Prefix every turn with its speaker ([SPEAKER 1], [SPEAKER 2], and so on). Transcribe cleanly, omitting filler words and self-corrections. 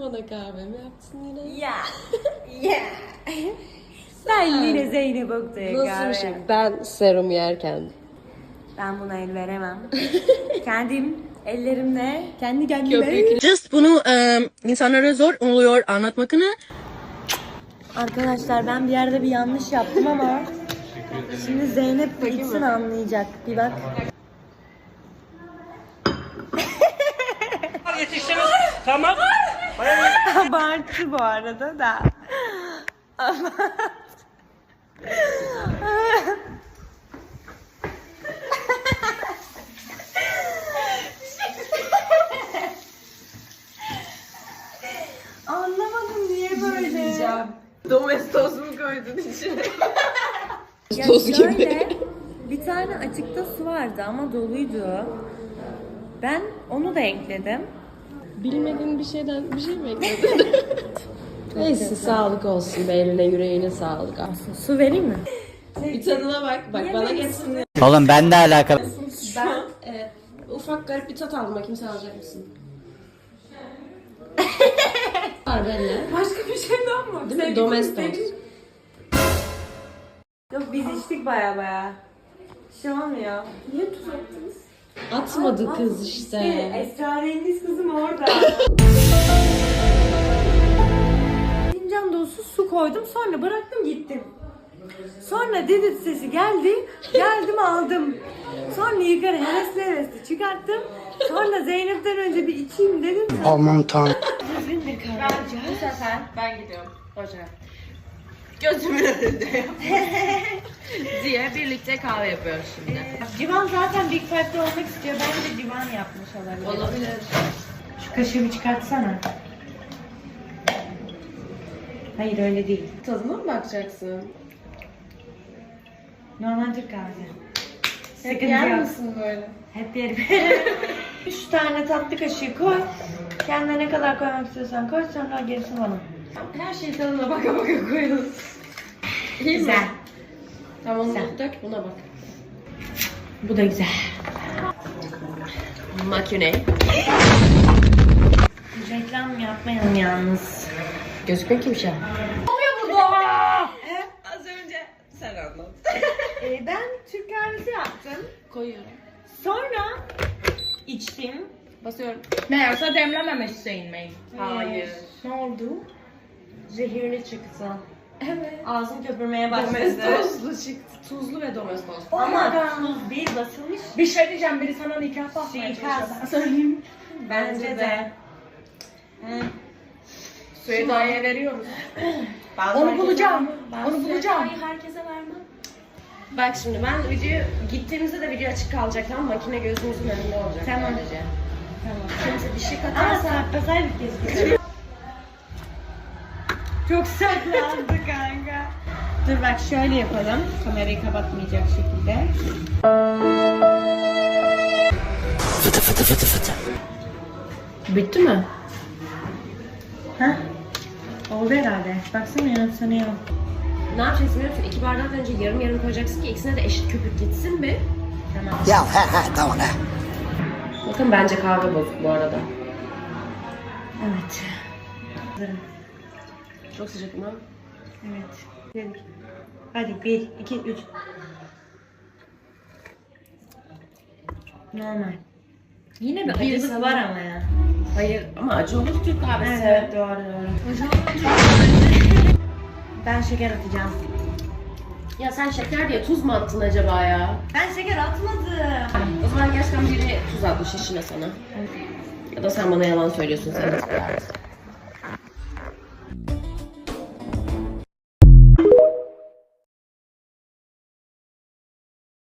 [SPEAKER 1] bana kahvemi yapsın yine.
[SPEAKER 2] Ya. Ya. Ben yine Zeynep Oktay'a
[SPEAKER 1] Nasıl
[SPEAKER 2] kahve.
[SPEAKER 1] bir şey? Ben serum yerken.
[SPEAKER 2] Ben buna el veremem. Kendim ellerimle kendi kendime.
[SPEAKER 1] Köpük.
[SPEAKER 3] Just bunu insanlara zor oluyor anlatmakını.
[SPEAKER 2] Arkadaşlar ben bir yerde bir yanlış yaptım ama şimdi Zeynep gitsin anlayacak. Bir bak.
[SPEAKER 3] Yetiştiniz. Tamam.
[SPEAKER 2] Abartı bu arada da. Anlamadım niye böyle.
[SPEAKER 1] Domestos mu koydun içine?
[SPEAKER 2] Ya
[SPEAKER 1] Toz gibi.
[SPEAKER 2] şöyle, bir tane açıkta su vardı ama doluydu. Ben onu da ekledim.
[SPEAKER 1] Bilmediğin bir şeyden bir şey mi ekledin? Neyse sağlık olsun be, eline yüreğine sağlık.
[SPEAKER 2] Su vereyim mi?
[SPEAKER 1] Bir tadına bak. Bak bana geçsin.
[SPEAKER 4] Oğlum ben de alakalı.
[SPEAKER 1] Ben ufak garip bir tat aldım. Bakayım sen alacak mısın? Var benimle.
[SPEAKER 2] Başka bir şey daha mı?
[SPEAKER 1] Değil mi? Domestos.
[SPEAKER 2] Yok biz içtik baya. Bir şey olmuyor. Niye tuz attınız?
[SPEAKER 1] Atmadı kız işte.
[SPEAKER 2] Esrarengiz kızım orada. Fincan dolusu su koydum sonra bıraktım gittim. Sonra dedit sesi geldi. Geldim aldım. Sonra yukarı hevesli çıkarttım. Sonra Zeynep'ten önce bir içeyim dedim.
[SPEAKER 4] Aman tanrım.
[SPEAKER 2] Düzgün bir kahve.
[SPEAKER 1] Bu sefer ben gidiyorum. Hoşça gözümün önünde diye birlikte kahve yapıyoruz şimdi.
[SPEAKER 2] Civan zaten Big Five'de olmak istiyor. Bence Civan yapmış olabilir.
[SPEAKER 1] Olabilir.
[SPEAKER 2] Şu kaşığı bir çıkartsana. Hayır öyle değil.
[SPEAKER 1] Tadına mı bakacaksın?
[SPEAKER 2] Normal Türk kahvesi.
[SPEAKER 1] Hep
[SPEAKER 2] Sıkıntı
[SPEAKER 1] yer
[SPEAKER 2] yok.
[SPEAKER 1] misin böyle?
[SPEAKER 2] Hep yerim. 3 tane tatlı kaşığı koy. Kendine ne kadar koymak istiyorsan koy, sonra gerisi bana.
[SPEAKER 1] Her şeyi tadına baka baka koyuyoruz. İyi
[SPEAKER 2] Güzel.
[SPEAKER 1] mi? Tamam onu
[SPEAKER 2] Güzel.
[SPEAKER 1] dök buna bak.
[SPEAKER 2] Bu da güzel.
[SPEAKER 1] Makine.
[SPEAKER 2] Reklam yapmayalım yalnız.
[SPEAKER 1] Gözükmek kim şey? Az önce sen anlat.
[SPEAKER 2] Ben Türk kahvesi yaptım.
[SPEAKER 1] Koyuyorum.
[SPEAKER 2] Sonra içtim.
[SPEAKER 1] Basıyorum.
[SPEAKER 3] Meğerse demlememişsin mi?
[SPEAKER 1] Hayır.
[SPEAKER 2] Ne oldu?
[SPEAKER 1] Zehirli çıktı.
[SPEAKER 2] Evet. Ağzım köpürmeye başladı.
[SPEAKER 1] Domestoslu çıktı. Tuzlu ve domestos.
[SPEAKER 2] Ama tuz değil, basılmış.
[SPEAKER 3] Bir şey diyeceğim, biri sana nikah basmaya çalışıyor. Söyleyeyim.
[SPEAKER 2] Bence de.
[SPEAKER 3] Süheyda'ya veriyoruz.
[SPEAKER 2] Ben
[SPEAKER 3] Onu bulacağım.
[SPEAKER 2] Ben
[SPEAKER 3] Onu bulacağım.
[SPEAKER 1] Herkese vermem. Bak şimdi ben video gittiğimizde de video açık kalacak, tamam, makine gözümüzün önünde olacak.
[SPEAKER 2] Tamam.
[SPEAKER 1] Sadece.
[SPEAKER 2] Tamam.
[SPEAKER 1] Kimse bir şey
[SPEAKER 2] Ama
[SPEAKER 1] katarsa
[SPEAKER 2] saklasaydık keşke. Çok saklandı kanka. Dur bak şöyle yapalım. Kamerayı kapatmayacak şekilde.
[SPEAKER 4] Fıtı fıtı fıtı fıtı.
[SPEAKER 1] bitti mi?
[SPEAKER 2] Hah. Oldu herhalde. Baksana yanıtsanıyor.
[SPEAKER 1] Ne yapacaksın biliyor musun? 2 bardak önce yarım yarım koyacaksın ki ikisine de eşit köpük gitsin bir.
[SPEAKER 2] Tamam.
[SPEAKER 4] Ya he tamam he.
[SPEAKER 1] Bakın bence kahve bozuk bu arada.
[SPEAKER 2] Evet. Hazırım.
[SPEAKER 1] Çok sıcak mı?
[SPEAKER 2] Evet. Dedik. Hadi 1, 2, 3. Normal. Yine bir acısı var ama ya.
[SPEAKER 1] Hayır ama acı olur Türk kahvesi.
[SPEAKER 2] Evet doğru. Ben şeker atacağım.
[SPEAKER 1] Ya sen şeker diye tuz mu attın acaba ya?
[SPEAKER 2] Ben şeker atmadım.
[SPEAKER 1] O zaman gerçekten biri tuz atmış işine sana. Ya da sen bana yalan söylüyorsun, sen de